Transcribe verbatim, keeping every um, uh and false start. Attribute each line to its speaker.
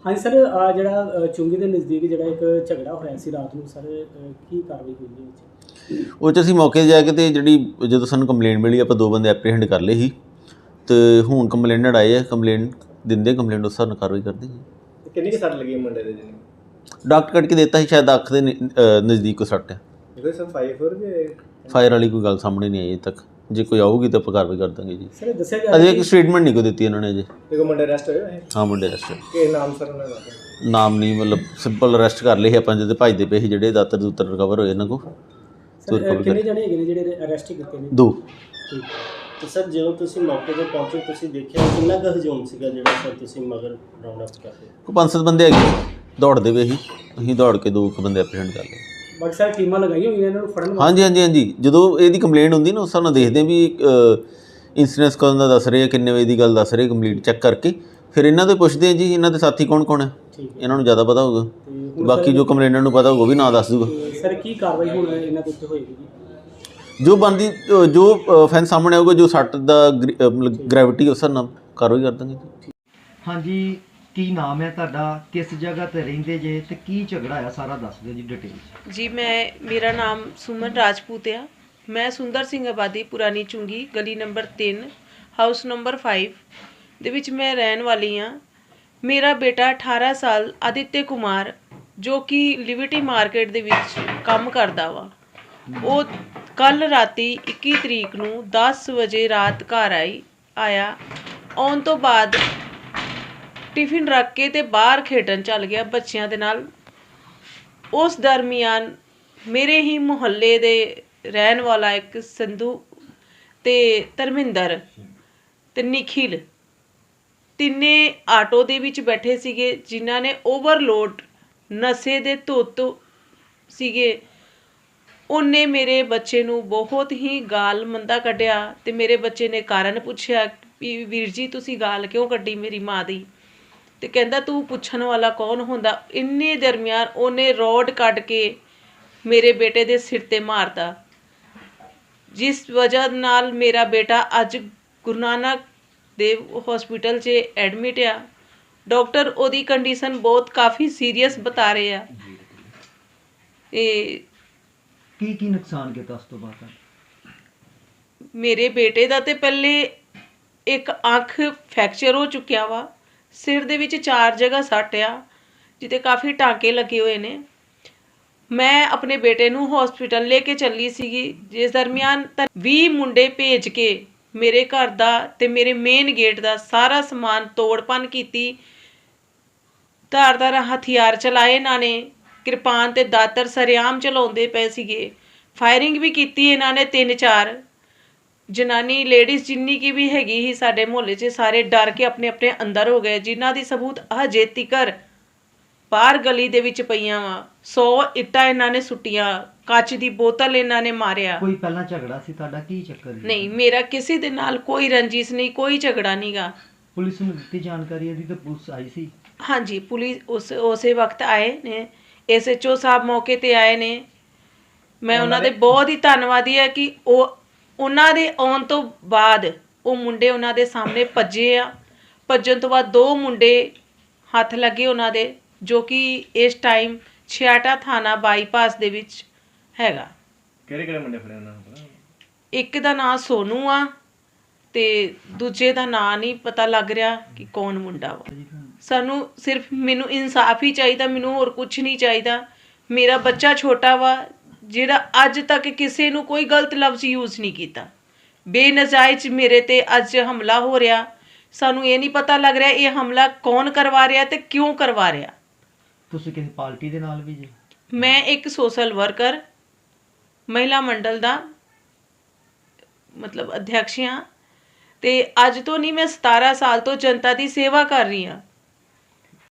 Speaker 1: हाँ जी सर, ਜਿਹੜਾ ਚੁੰਗੀ ਦੇ ਨਜ਼ਦੀਕ ਜਿਹੜਾ ਇੱਕ ਝਗੜਾ ਹੋਇਆ ਸੀ ਰਾਤ ਨੂੰ ਸਰ, ਕੀ ਕਾਰਵਾਈ ਹੋਈ ਹੈ ਵਿੱਚ?
Speaker 2: ਉਹ 'ਚ ਅਸੀਂ ਮੌਕੇ 'ਤੇ ਜਾ ਕੇ ਤੇ ਜਿਹੜੀ ਜਦੋਂ ਸਾਨੂੰ ਕੰਪਲੇਂਟ ਮਿਲੀ ਆਪਾਂ ਦੋ ਬੰਦੇ ਐਪਰੀਹੈਂਡ ਕਰ ਲਏ ਸੀ ਤੇ ਹੁਣ ਕੰਪਲੇਨਟ ਆਏ ਆ, ਕੰਪਲੇਂਟ ਦਿੰਦੇ ਕੰਪਲੇਂਟ ਉਸ ਹਿਸਾਬ ਨਾਲ ਕਾਰਵਾਈ ਕਰਦੇ ਜੀ।
Speaker 3: ਕਿੰਨੀ ਕੁ ਸੱਟ ਲੱਗੀ ਮੁੰਡੇ ਦੇ ਜੀ?
Speaker 2: ਡਾਕਟਰ ਕੱਢ ਕੇ ਦਿੱਤਾ ਸੀ, ਸ਼ਾਇਦ ਅੱਖ ਦੇ ਨਜ਼ਦੀਕ ਕੋ ਸੱਟ ਹੈ।
Speaker 3: ਇਹਦੇ ਸਰ ਫਾਈਵ ਜੇ
Speaker 2: ਫਾਇਰ ਵਾਲੀ ਕੋਈ ਗੱਲ ਸਾਹਮਣੇ ਨਹੀਂ ਆਈ ਅਜੇ ਤੱਕ, ਜੇ ਕੋਈ ਆਊਗੀ ਤਾਂ ਆਪਾਂ ਕਾਰਵਾਈ ਕਰ ਦਾਂਗੇ ਜੀ।
Speaker 1: ਸਰ ਦੱਸਿਆ ਜਾ
Speaker 2: ਅਜੇ ਇੱਕ ਸਟੇਟਮੈਂਟ ਨਹੀਂ ਕੋਈ ਦਿੱਤੀ ਇਹਨਾਂ ਨੇ ਅਜੇ।
Speaker 3: ਦੇਖੋ ਮੁੰਡੇ ਅਰੈਸਟ ਹੋਏ ਹੋਏ
Speaker 2: ਹਾਂ ਮੁੰਡੇ ਅਰੈਸਟ
Speaker 3: ਕਿ ਨਾਮ ਸਰ ਉਹਨਾਂ ਦਾ?
Speaker 2: ਨਾਮ ਨਹੀਂ, ਮਤਲਬ ਸਿੰਪਲ ਅਰੈਸਟ ਕਰ ਲਏ ਸੀ ਆਪਾਂ, ਜਦੋਂ ਭੱਜਦੇ ਪਏ ਸੀ ਜਿਹੜੇ ਦਾਤਰ ਦੂਤਰ ਰਿਕਵਰ ਹੋਏ ਇਹਨਾਂ ਕੋਲ।
Speaker 1: ਸਰ ਕਿੰਨੇ ਜਣੇ ਹੈਗੇ ਨੇ ਜਿਹੜੇ ਅਰੈਸਟ ਕੀਤੇ ਨੇ?
Speaker 2: ਦੋ।
Speaker 1: ਠੀਕ।
Speaker 4: ਤੇ ਸਰ ਜਦੋਂ ਤੁਸੀਂ ਮੌਕੇ 'ਤੇ ਪਹੁੰਚੇ ਤੁਸੀਂ ਦੇਖਿਆ ਕਿੰਨਾ ਕੁ ਹਜੂਮ ਸੀਗਾ ਜਿਹੜਾ ਸਰ ਤੁਸੀਂ ਮਗਰ ਰਾਉਂਡ ਅਪ ਕਰਦੇ?
Speaker 2: ਕੋਈ ਪੰਜ ਸੱਤ ਬੰਦੇ ਹੈਗੇ ਦੌੜਦੇ ਪਏ ਸੀ, ਅਸੀਂ ਦੌੜ ਕੇ ਦੋ ਕੁ ਬੰਦੇ ਐਪਰੀਹੈਂਡ ਕਰ ਲਏ।
Speaker 1: ਬਾਕੀ ਸਰ ਟੀਮਾਂ ਲਗਾਈਆਂ ਹੋਈਆਂ ਇਹਨਾਂ ਨੂੰ ਫੜਨ ਵਾਸਤੇ?
Speaker 2: ਹਾਂਜੀ ਹਾਂਜੀ ਹਾਂਜੀ, ਜਦੋਂ ਇਹਦੀ ਕੰਪਲੇਂਟ ਹੁੰਦੀ ਨਾ ਉਸ ਹਿਸਾਬ ਨਾਲ ਦੇਖਦੇ ਵੀ ਇੰਸੀਡੈਂਸ ਕਦੋਂ ਦਾ ਦੱਸ ਰਹੇ ਆ, ਕਿੰਨੇ ਵਜੇ ਦੀ ਗੱਲ ਦੱਸ ਰਹੇ, ਕੰਪਲੀਟ ਚੈੱਕ ਕਰਕੇ ਫਿਰ ਇਹਨਾਂ ਤੋਂ ਪੁੱਛਦੇ ਆ ਜੀ ਇਹਨਾਂ ਦੇ ਸਾਥੀ ਕੌਣ ਕੌਣ ਹੈ, ਇਹਨਾਂ ਨੂੰ ਜ਼ਿਆਦਾ ਪਤਾ ਹੋਊਗਾ। ਤੇ ਬਾਕੀ ਜੋ ਕੰਪਲੇਂਟਰ ਨੂੰ ਪਤਾ ਹੋਊਗਾ ਉਹ ਵੀ ਨਾਂ ਦੱਸ ਦੂਗਾ।
Speaker 1: ਸਰ ਕੀ ਕਾਰਵਾਈ ਹੁਣ ਇਹਨਾਂ ਦੇ ਉੱਤੇ ਹੋਏਗੀ?
Speaker 2: ਜੋ ਬਣਦੀ ਜੋ ਫੈਨ ਸਾਹਮਣੇ ਆਊਗਾ, ਜੋ ਸੱਟ ਦਾ ਮਤਲਬ ਗ੍ਰੈਵਿਟੀ ਉਸ ਹਿਸਾਬ ਨਾਲ ਕਾਰਵਾਈ ਕਰ ਦਾਂਗੇ ਜੀ।
Speaker 5: ਹਾਂਜੀ, ਕੀ ਨਾਮ ਹੈ ਤੁਹਾਡਾ, ਕਿਸ ਜਗ੍ਹਾ ਤੇ ਰਹਿੰਦੇ ਜੇ ਤੇ ਕੀ ਝਗੜਾ ਆ ਸਾਰਾ ਦੱਸ ਦਿਓ ਜੀ ਡਿਟੇਲ
Speaker 6: ਜੀ। ਮੈਂ ਮੇਰਾ ਨਾਮ ਸੁਮਨ ਰਾਜਪੂਤ ਆ। ਮੈਂ ਸੁੰਦਰ ਸਿੰਘ ਆਬਾਦੀ ਪੁਰਾਣੀ ਚੁੰਗੀ ਗਲੀ ਨੰਬਰ ਤਿੰਨ ਹਾਊਸ ਨੰਬਰ ਪੰਜ ਦੇ ਵਿੱਚ ਮੈਂ ਰਹਿਣ ਵਾਲੀ ਹਾਂ। ਮੇਰਾ ਬੇਟਾ ਅਠਾਰਾਂ ਸਾਲ ਆਦਿਤਯ ਕੁਮਾਰ ਜੋ ਕਿ ਲਿਬਰਟੀ ਮਾਰਕੀਟ ਦੇ ਵਿੱਚ ਕੰਮ ਕਰਦਾ ਵਾ, ਉਹ ਕੱਲ੍ਹ ਰਾਤੀ ਇੱਕੀ ਤਰੀਕ ਨੂੰ ਦਸ ਵਜੇ ਰਾਤ ਘਰ ਆਈ ਆਇਆ ਆਉਣ ਤੋਂ ਬਾਅਦ ਟਿਫਿਨ ਰੱਖ ਕੇ ਤੇ ਬਾਹਰ ਖੇਡਣ ਚੱਲ ਗਿਆ ਬੱਚਿਆਂ ਦੇ ਨਾਲ। ਉਸ ਦਰਮਿਆਨ ਮੇਰੇ ਹੀ ਮੁਹੱਲੇ ਦੇ ਰਹਿਣ ਵਾਲਾ ਇੱਕ ਸੰਧੂ ਤੇ ਧਰਮਿੰਦਰ ਤੇ ਨਿਖਿਲ ਤਿੰਨੇ ਆਟੋ ਦੇ ਵਿੱਚ ਬੈਠੇ ਸੀਗੇ, ਜਿਨ੍ਹਾਂ ਨੇ ਓਵਰਲੋਡ ਨਸ਼ੇ ਦੇ ਧੁੱਤ ਸੀਗੇ। ਉਹਨੇ ਮੇਰੇ ਬੱਚੇ ਨੂੰ ਬਹੁਤ ਹੀ ਗਾਲ ਮੰਦਾ ਕੱਢਿਆ ਤੇ ਮੇਰੇ ਬੱਚੇ ਨੇ ਕਾਰਨ ਪੁੱਛਿਆ ਵੀ ਵੀਰ ਜੀ ਤੁਸੀਂ ਗਾਲ ਕਿਉਂ ਕੱਢੀ ਮੇਰੀ ਮਾਂ ਦੀ, ਤੇ ਕਹਿੰਦਾ ਤੂੰ ਪੁੱਛਣ ਵਾਲਾ ਕੌਣ ਹੁੰਦਾ। ਇੰਨੇ ਦਰਮਿਆਨ ਉਹਨੇ ਰੋਡ ਕੱਢ ਕੇ ਮੇਰੇ ਬੇਟੇ ਦੇ ਸਿਰ ਤੇ ਮਾਰਤਾ, ਜਿਸ ਵਜ੍ਹਾ ਨਾਲ ਮੇਰਾ ਬੇਟਾ ਅੱਜ ਗੁਰੂ ਨਾਨਕ ਦੇਵ ਹਸਪੀਟਲ 'ਚ ਐਡਮਿਟ ਆ। ਡਾਕਟਰ ਉਹਦੀ ਕੰਡੀਸ਼ਨ ਬਹੁਤ ਕਾਫੀ ਸੀਰੀਅਸ ਬਤਾ ਰਹੇ ਆ। ਇਹ
Speaker 5: ਕੀ ਕੀ ਨੁਕਸਾਨ ਕੀਤਾ ਉਸ ਤੋਂ ਬਾਅਦ?
Speaker 6: ਮੇਰੇ ਬੇਟੇ ਦਾ ਤੇ ਪਹਿਲੇ ਇੱਕ ਅੱਖ ਫ੍ਰੈਕਚਰ ਹੋ ਚੁੱਕਿਆ ਵਾ, ਸਿਰ ਦੇ ਵਿੱਚ ਚਾਰ ਜਗ੍ਹਾ ਸੱਟ ਆ ਜਿੱਥੇ ਕਾਫੀ ਟਾਂਕੇ ਲੱਗੇ ਹੋਏ ਨੇ। ਮੈਂ ਆਪਣੇ ਬੇਟੇ ਨੂੰ ਹਸਪੀਟਲ ਲੈ ਕੇ ਚੱਲੀ ਸੀਗੀ, ਜਿਸ ਦਰਮਿਆਨ ਤਾਂ ਵੀਹ ਮੁੰਡੇ ਭੇਜ ਕੇ ਮੇਰੇ ਘਰ ਦਾ ਤੇ ਮੇਰੇ ਮੇਨ ਗੇਟ ਦਾ ਸਾਰਾ ਸਮਾਨ ਤੋੜ ਭੰਨ ਕੀਤੀ। ਧਾਰਦਾਰ ਹਥਿਆਰ ਚਲਾਏ ਇਹਨਾਂ ਨੇ, ਕਿਰਪਾਨ ਤੇ ਦਾਤਰ ਸਰੇਆਮ ਚਲਾਉਂਦੇ ਪਏ ਸੀਗੇ। ਫਾਇਰਿੰਗ ਵੀ ਕੀਤੀ ਇਹਨਾਂ ਨੇ ਤਿੰਨ ਚਾਰ। ਜਨਾਨੀ ਲੇਡੀਜ਼ ਜਿੰਨੀ ਕੀ ਵੀ ਹੈਗੀ ਸੀ ਸਾਡੇ ਮੁਹੱਲੇ 'ਚ ਸਾਰੇ ਡਰ ਕੇ ਆਪਣੇ ਆਪਣੇ ਅੰਦਰ ਹੋ ਗਏ, ਜਿਨ੍ਹਾਂ ਦੀ ਸਬੂਤ ਹਜੇ ਤੀਕਰ ਬਾਹਰ ਗਲੀ ਦੇ ਵਿੱਚ ਪਈਆਂ ਵਾ। ਸੌ ਇੱਟਾਂ ਇਹਨਾਂ ਨੇ ਸੁੱਟੀਆਂ, ਕੱਚ ਦੀ ਬੋਤਲ ਇਹਨਾਂ ਨੇ ਮਾਰਿਆ।
Speaker 5: ਕੋਈ ਪਹਿਲਾਂ ਝਗੜਾ ਸੀ ਤੁਹਾਡਾ, ਕੀ ਚੱਕਰ ਜੀ?
Speaker 6: ਨਹੀਂ, ਮੇਰਾ ਕਿਸੇ ਦੇ ਨਾਲ ਕੋਈ ਰੰਜਿਸ਼ ਨਹੀਂ, ਕੋਈ ਝਗੜਾ ਨਹੀਂਗਾ।
Speaker 5: ਪੁਲਿਸ ਨੂੰ ਦਿੱਤੀ ਜਾਣਕਾਰੀ ਇਹਦੀ ਤਾਂ ਪੁਲਿਸ ਆਈ ਸੀ?
Speaker 6: ਹਾਂਜੀ, ਪੁਲਿਸ ਉਸ ਉਸੇ ਵਕਤ ਆਏ ਨੇ, ਐਸ ਐਚ ਓ ਸਾਹਿਬ ਮੌਕੇ ਤੇ ਆਏ ਨੇ। ਮੈਂ ਉਹਨਾਂ ਦੇ ਬਹੁਤ ਹੀ ਧੰਨਵਾਦੀ ਹੈ ਕਿ ਉਹ ਉਹਨਾਂ ਦੇ ਆਉਣ ਤੋਂ ਬਾਅਦ ਉਹ ਮੁੰਡੇ ਉਹਨਾਂ ਦੇ ਸਾਹਮਣੇ ਭੱਜੇ ਆ। ਭੱਜਣ ਤੋਂ ਬਾਅਦ ਦੋ ਮੁੰਡੇ ਹੱਥ ਲੱਗੇ ਉਹਨਾਂ ਦੇ, ਜੋ ਕਿ ਇਸ ਟਾਈਮ ਛਿਆਟਾ ਥਾਣਾ ਬਾਈਪਾਸ ਦੇ ਵਿੱਚ ਹੈਗਾ।
Speaker 3: ਕਿਹੜੇ ਕਿਹੜੇ ਮੁੰਡੇ ਫੜੇ ਉਹਨਾਂ ਨੂੰ?
Speaker 6: ਇੱਕ ਦਾ ਨਾਂ ਸੋਨੂ ਆ ਤੇ ਦੂਜੇ ਦਾ ਨਾਂ ਨਹੀਂ ਪਤਾ ਲੱਗ ਰਿਹਾ ਕਿ ਕੌਣ ਮੁੰਡਾ ਵਾ। ਸਾਨੂੰ ਸਿਰਫ ਮੈਨੂੰ ਇਨਸਾਫ ਹੀ ਚਾਹੀਦਾ, ਮੈਨੂੰ ਹੋਰ ਕੁਝ ਨਹੀਂ ਚਾਹੀਦਾ। ਮੇਰਾ ਬੱਚਾ ਛੋਟਾ ਵਾ ਜਿਹੜਾ ਅੱਜ ਤੱਕ ਕਿਸੇ ਨੂੰ ਕੋਈ ਗਲਤ ਲਫ਼ਜ਼ ਯੂਜ਼ ਨਹੀਂ ਕੀਤਾ। ਬੇਨਜਾਇਜ਼ ਮੇਰੇ ਤੇ ਅੱਜ ਹਮਲਾ ਹੋ ਰਿਹਾ, ਸਾਨੂੰ ਇਹ ਨਹੀਂ ਪਤਾ ਲੱਗ ਰਿਹਾ ਇਹ ਹਮਲਾ ਕੌਣ ਕਰਵਾ ਰਿਹਾ ਤੇ ਕਿਉਂ ਕਰਵਾ ਰਿਹਾ।
Speaker 5: ਤੁਸੀਂ ਕਿਸੇ ਪਾਰਟੀ ਦੇ ਨਾਲ ਵੀ ਜੀ?
Speaker 6: ਮੈਂ ਇੱਕ ਸੋਸ਼ਲ ਵਰਕਰ ਮਹਿਲਾ ਮੰਡਲ ਦਾ ਮਤਲਬ ਅਧਿਅਕਸ਼ ਹਾਂ ਤੇ ਅੱਜ ਤੋਂ ਨਹੀਂ, ਮੈਂ ਸਤਾਰਾਂ ਸਾਲ ਤੋਂ ਜਨਤਾ ਦੀ ਸੇਵਾ ਕਰ ਰਹੀ ਹਾਂ।